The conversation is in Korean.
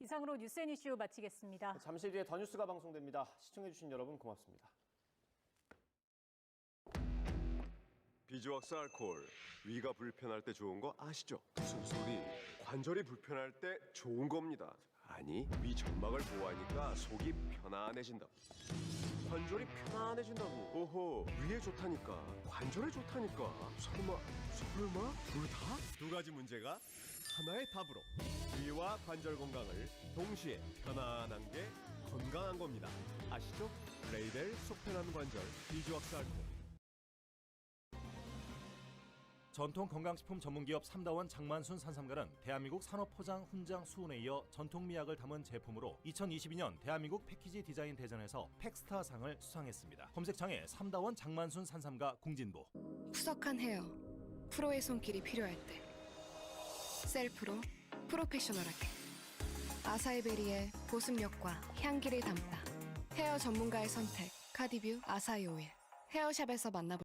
이상으로 뉴스앤이슈 마치겠습니다. 잠시 뒤에 더 뉴스가 방송됩니다. 시청해주신 여러분 고맙습니다. 비즈왁스 알코올, 위가 불편할 때 좋은 거 아시죠? 무슨 소리? 관절이 불편할 때 좋은 겁니다. 아니, 위 점막을 보호하니까 속이 편안해진다. 관절이 편안해진다고. 오호, 위에 좋다니까, 관절에 좋다니까. 설마 둘 다? 두 가지 문제가 하나의 답으로. 위와 관절 건강을 동시에 편안한 게 건강한 겁니다. 아시죠? 레이델 속편한 관절 비즈왁스 알코올. 전통 건강식품 전문기업 삼다원 장만순 산삼가는 대한민국 산업포장 훈장 수훈에 이어 전통미학을 담은 제품으로 2022년 대한민국 패키지 디자인 대전에서 팩스타상을 수상했습니다. 검색창에 삼다원 장만순 산삼가 공진보. 푸석한 헤어, 프로의 손길이 필요할 때 셀프로 프로페셔널하게 아사히베리의 보습력과 향기를 담다 헤어 전문가의 선택 카디뷰 아사히 오일 헤어샵에서 만나볼